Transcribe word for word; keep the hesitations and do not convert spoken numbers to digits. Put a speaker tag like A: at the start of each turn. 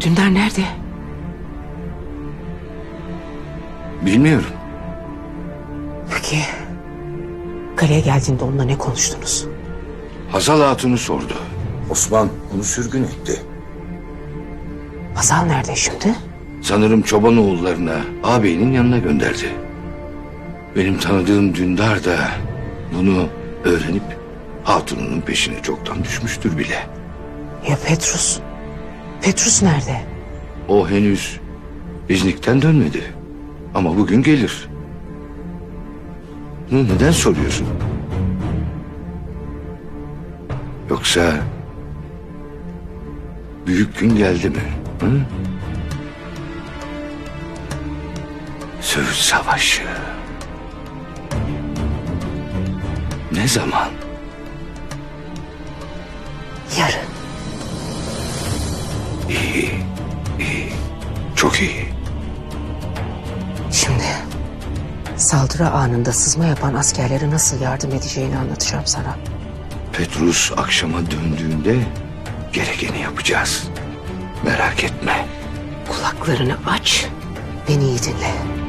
A: Dündar nerede?
B: Bilmiyorum.
A: Peki kaleye geldiğinde onunla ne konuştunuz?
B: Hazal Hatun'u sordu.
C: Osman onu sürgün etti.
A: Hazal nerede şimdi?
B: Sanırım çoban oğullarına ağabeyinin yanına gönderdi. Benim tanıdığım Dündar da bunu öğrenip Hatun'un peşine çoktan düşmüştür bile.
A: Ya Petrus? Petrus nerede?
B: O henüz İznik'ten dönmedi. Ama bugün gelir. Bunu neden soruyorsun? Yoksa büyük gün geldi mi? Hı? Söğüt Savaşı. Ne zaman?
A: Yarın.
B: İyi, iyi, çok iyi.
A: Şimdi saldırı anında sızma yapan askerlere nasıl yardım edeceğini anlatacağım sana.
B: Petrus akşama döndüğünde gerekeni yapacağız. Merak etme.
A: Kulaklarını aç, beni iyi dinle.